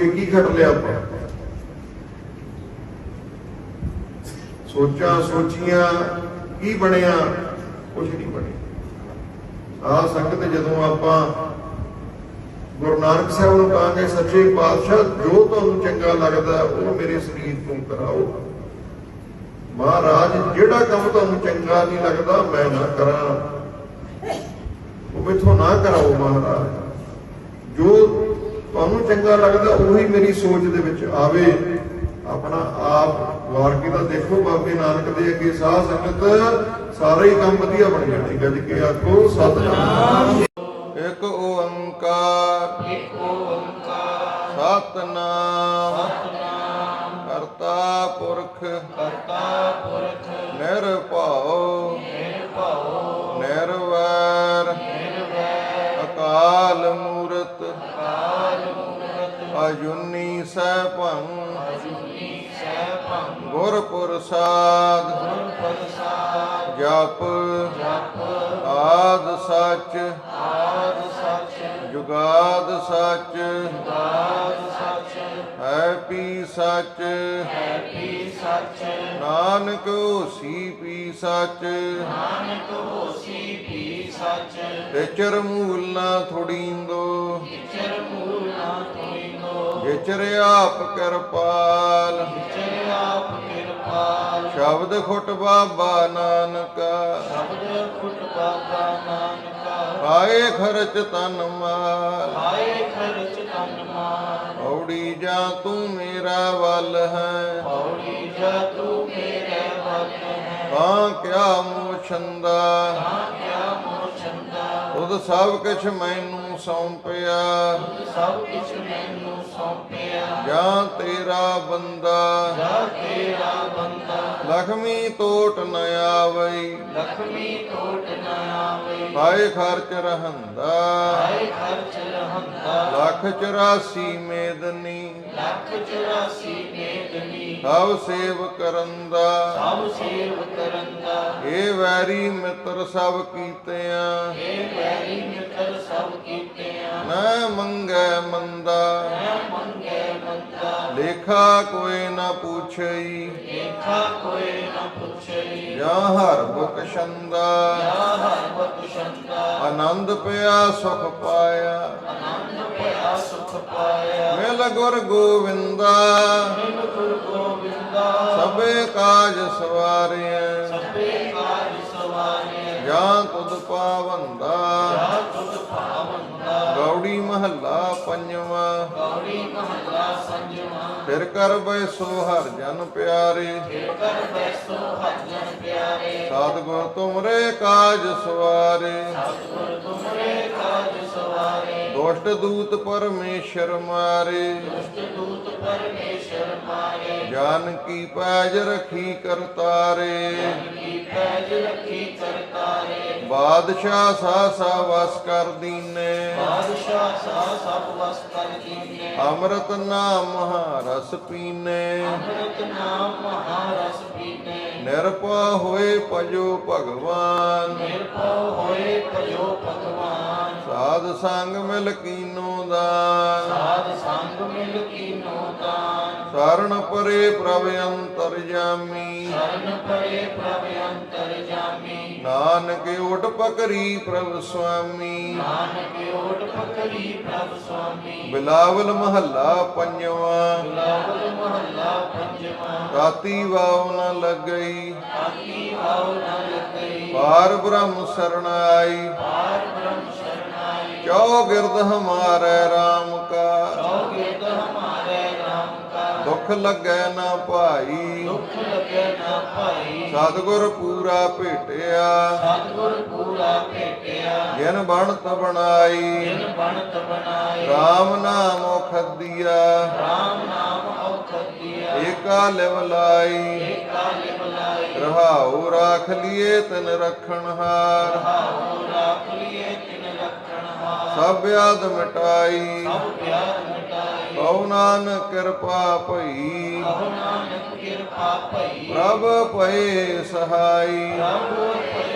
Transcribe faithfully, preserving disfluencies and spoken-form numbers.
ਕੇ ਕੀ ਖੱਟ ਲਿਆ ਆਪਾਂ? ਸੋਚਾਂ ਸੋਚੀਆਂ ਕੀ ਬਣਿਆ? ਕੁਛ ਨਹੀਂ ਬਣਿਆ। ਆਹ ਸੰਗਤ ਜਦੋਂ ਆਪਾਂ ਗੁਰੂ ਨਾਨਕ ਸਾਹਿਬ ਨੂੰ ਕਹਾਂਗੇ ਸੱਚੇ ਪਾਤਸ਼ਾਹ ਜੋ ਤੁਹਾਨੂੰ ਚੰਗਾ ਲੱਗਦਾ ਉਹ ਮੇਰੇ ਸਰੀਰ ਤੋਂ ਕਰਾਓ। ਮਹਾਰਾਜ ਜਿਹੜਾ ਕੰਮ ਤੁਹਾਨੂੰ ਚੰਗਾ ਨਹੀਂ ਲੱਗਦਾ ਮੈਂ ਨਾ ਕਰਾਂ, ਉਹ ਮੈਥੋਂ ਨਾ ਕਰਾਓ ਮਹਾਰਾਜ। ਜੋ ਤੁਹਾਨੂੰ ਚੰਗਾ ਲੱਗਦਾ ਉਹੀ ਮੇਰੀ ਸੋਚ ਦੇ ਵਿੱਚ ਆਵੇ। ਆਪਣਾ ਆਪ ਵਾਰ ਕੇ ਤਾਂ ਦੇਖੋ ਬਾਬੇ ਨਾਨਕ ਦੇ ਅੱਗੇ ਸਾਧ ਸੰਗਤ ਸਾਰੇ ਹੀ ਕੰਮ ਵਧੀਆ ਬਣ ਜਾਣੇ। ਗੱਜ ਕੇ ਆਖੋ ਸਤਿਨਾਮ। ਇੱਕ ਓੰਕਾਰ ਇੱਕ ਓੰਕਾਰ ਸਤਿਨਾਮ ਸਤਿਨਾਮ ਕਰਤਾ ਪੁਰਖ ਕਰਤਾ ਪੁਰਖ ਨਿਰਭਉ ਨਿਰਭਉ ਨਿਰਵੈਰ ਨਿਰਵੈਰ ਅਕਾਲ ਮੂਰਤ ਅਕਾਲ ਮੂਰਤ ਅਜੂਨੀ ਸੈਭੰ ਅਜੂਨੀ ਸੈਭੰ ਗੁਰ ਪ੍ਰਸਾਦ ਗੁਰ ਪ੍ਰਸਾਦ ਜਪ ਜਪ ਆਦ ਸੱਚ ਆਦ ਸੱਚ ਜੁਗਾਦ ਸੱਚ ਜੁਗਾਦ ਸੱਚ ਹੈ ਪੀ ਸੱਚ ਹੈ ਪੀ ਸੱਚ ਨਾਨਕ ਹੋਸੀ ਪੀ ਸੱਚ ਨਾਨਕ ਹੋਸੀ ਪੀ ਸੱਚ ਵਿਚਰ ਮੂਲ ਨਾ ਥੋੜੀਂਦੋ ਵਿਚਰ ਮੂਲ ਨਾ ਥੋੜੀਂਦੋ ਵਿਚਰ ਆਪ ਕਿਰਪਾਲ ਵਿਚਰ ਆਪ ਕਿਰਪਾਲ ਸ਼ਬਦ ਖੁੱਟ ਬਾਬਾ ਨਾਨਕਾ ਸ਼ਬਦ ਖੁੱਟ ਬਾਬਾ ਨਾਨਕਾ ਆਏ ਖਰਚ ਤਨ ਮਾਲ ਆਏ ਖਰਚ ਤਨ ਮਾਲ ਔੜੀ ਜਾ ਤੂੰ ਮੇਰਾ ਵੱਲ ਹੈ ਔੜੀ ਜਾ ਤੂੰ ਮੇਰੇ ਵੱਲ ਹੈ ਤਾਂ ਕਿਆ ਮੋਛੰਦਾ ਤਾਂ ਕਿਆ ਮੋਛੰਦਾ ਤੁਧ ਸਭ ਕੁਛ ਮੈਨੂੰ ਸੌਂਪਿਆ ਤੁਧ ਸਭ ਕੁਛ ਮੈਨੂੰ ਸੌਂਪਿਆ ਜਾਂ ਤੇਰਾ ਬੰਦਾ ਜਾਂ ਤੇਰਾ ਬੰਦਾ ਲਖਮੀ ਟੋਟ ਨ ਆਵਈ ਲਖਮੀ ਟੋਟ ਨ ਆਵਈ ਪਾਏ ਖਰਚ ਰਹੰਦਾ ਪਾਏ ਖਰਚ ਰਹੰਦਾ ਲੱਖ ਚੁਰਾਸੀ ਮੇਦਨੀ ਲੱਖ ਚੁਰਾਸੀ ਮੇਦਨੀ ਸਭ ਸੇਵ ਕਰਨ ਦਾ ਸਭ ਸੇਵ ਕਰਨ ਦਾ ਇਹ ਵੈਰੀ ਮਿੱਤਰ ਸਭ ਕੀਤਿਆਂ ਇਹ ਵੈਰੀ ਮਿੱਤਰ ਸਭ ਕੀਤਿਆਂ ਨਾ ਮੰਗੈ ਮੰਦਾ ਨਾ ਮੰਗੈ ਮੰਦਾ ਲੇਖਾ ਕੋਈ ਨਾ ਪੁੱਛਈ ਲੇਖਾ ਕੋਈ ਨਾ ਪੁੱਛਈ ਜਾਂ ਹਰ ਬਖਸ਼ੰਦਾ ਜਾਂ ਹਰ ਬਖਸ਼ੰਦਾ ਆਨੰਦ ਪਿਆ ਸੁਖ ਪਾਇਆ ਆਨੰਦ ਪਿਆ ਸੁਖ ਪਾਇਆ ਮਿਲ ਗੁਰ ਗੋਵਿੰਦਾ ਮਿਲ ਗੁਰ ਗੋਵਿੰਦਾ ਸਭੇ ਕਾਜ ਸਵਾਰਿਆ ਸਭੇ ਕਾਜ ਸਵਾਰਿਆ ਜਾਂ ਤੁਧ ਪਾਵੰਦਾ ਜਾਂ ਤੁਧ ਪਾਵੰਦਾ ਗੌੜੀ ਮਹੱਲਾ ਪੰਜਵਾਂ ਗੌੜੀ ਮਹੱਲਾ ਪੰਜਵਾਂ ਫਿਰ ਕਰ ਬੈਸੋ ਹਰ ਜਨ ਪਿਆਰੇ ਫਿਰ ਕਰ ਬੈਸੋ ਹਰ ਜਨ ਪਿਆਰੇ ਸਤਿਗੁਰ ਤੁਮਰੇ ਕਾਜ ਸਵਾਰੇ ਸਤਿਗੁਰ ਤੁਮਰੇ ਕਾਜ ਸਵਾਰੇ ਦੁਸ਼ਟ ਦੂਤ ਪਰਮੇਸ਼ਰ ਮਾਰੇ ਦੁਸ਼ਟ ਦੂਤ ਪਰਮੇਸ਼ਰ ਮਾਰੇ ਜਾਨ ਕੀ ਪੈਜ ਰਖੀ ਕਰਤਾਰੇ ਜਾਨ ਕੀ ਪੈਜ ਰਖੀ ਕਰਤਾਰੇ ਬਾਦਸ਼ਾਹ ਸਾ ਸਾ ਵਸ ਕਰ ਦੀਨੇ ਬਾਦਸ਼ਾਹ ਸਾ ਸਭ ਵਸ ਕਰ ਦੀਨੇ ਅੰਮ੍ਰਿਤ ਨਾਮ ਮਹਾਰਸ ਪੀਨੇ ਅੰਮ੍ਰਿਤ ਨਾਮ ਮਹਾਰਸ ਪੀਨੇ ਨਿਰਭਉ ਹੋਏ ਭਜੋ ਭਗਵਾਨ ਨਿਰਭਉ ਹੋਏ ਭਜੋ ਭਗਵਾਨ ਸਾਧ ਸੰਗ ਮਿਲ ਕੀਨੋ ਦਾਨ ਸਾਧ ਸੰਗ ਮਿਲ ਕੀਨੋ ਦਾਨ ਸ਼ਰਨ ਪਰੇ ਪ੍ਰਭ ਅੰਤਰਜਾਮੀ ਸ਼ਰਨ ਪਰੇ ਪ੍ਰਭ ਅੰਤਰਜਾਮੀ ਨਾਨਕ ਓਟ ਪਕਰੀ ਪ੍ਰਭ ਸੁਆਮੀ ਨਾਨਕ ਓਟ ਪਕਰੀ ਪ੍ਰਭ ਸੁਆਮੀ ਬਿਲਾਵਲ ਮਹੱਲਾ ਪੰਜਵਾਂ ਬਿਲਾਵਲ ਮਹੱਲਾ ਪੰਜਵਾਂ ਰਾਤੀ ਵਾਉ ਨ ਲੱਗਈ ਰਾਤੀ ਵਾਉ ਨ ਲੱਗਈ ਪਾਰ ਬ੍ਰਹਮ ਸਰਣ ਆਈ ਪਾਰ ਬ੍ਰਹਮ ਸਰਣ ਆਈ ਚੌ ਗਿਰਦ ਹਮਾਰੇ ਰਾਮ ਕਾ ਚੌ ਗਿਰਦ ਹਮਾਰੇ ਰਾਮ ਕਾ ਦੁੱਖ ਲੱਗੈ ਨਾ ਭਾਈ ਦੁੱਖ ਲੱਗੈ ਨਾ ਭਾਈ ਸਤਿਗੁਰ ਪੂਰਾ ਭੇਟਿਆ ਸਤਿਗੁਰ ਪੂਰਾ ਭੇਟਿਆ ਜਿਨ ਬਣਤ ਬਣਾਈ ਜਿਨ ਬਣਤ ਬਣਾਈ ਰਾਮ ਨਾਮ ਔਖਦੀਆ ਰਾਮ ਨਾਮ ਔਖਦੀਆ ਏਕਾ ਲਿਵ ਲਾਈ ਏਕਾ ਲਿਵ ਲਾਈ ਰਹਾਉ ਰਾਖ ਲਿਏ ਤਿਨ ਰਖਣ ਹਾਰ ਰਹਾਉ ਰਾਖ ਲਿਏ ਤਿਨ ਰਖਣ ਹਾਰ ਸਭ ਵਿਆਦ ਮਿਟਾਈ ਸਭ ਵਿਆਦ ਮਿਟਾਈ ਕਉ ਨਾਨਕ ਕਿਰਪਾ ਭਈ ਕਉ ਨਾਨਕ ਕਿਰਪਾ ਭਈ ਪ੍ਰਭ ਭਏ ਸਹਾਈ ਪ੍ਰਭ ਭਏ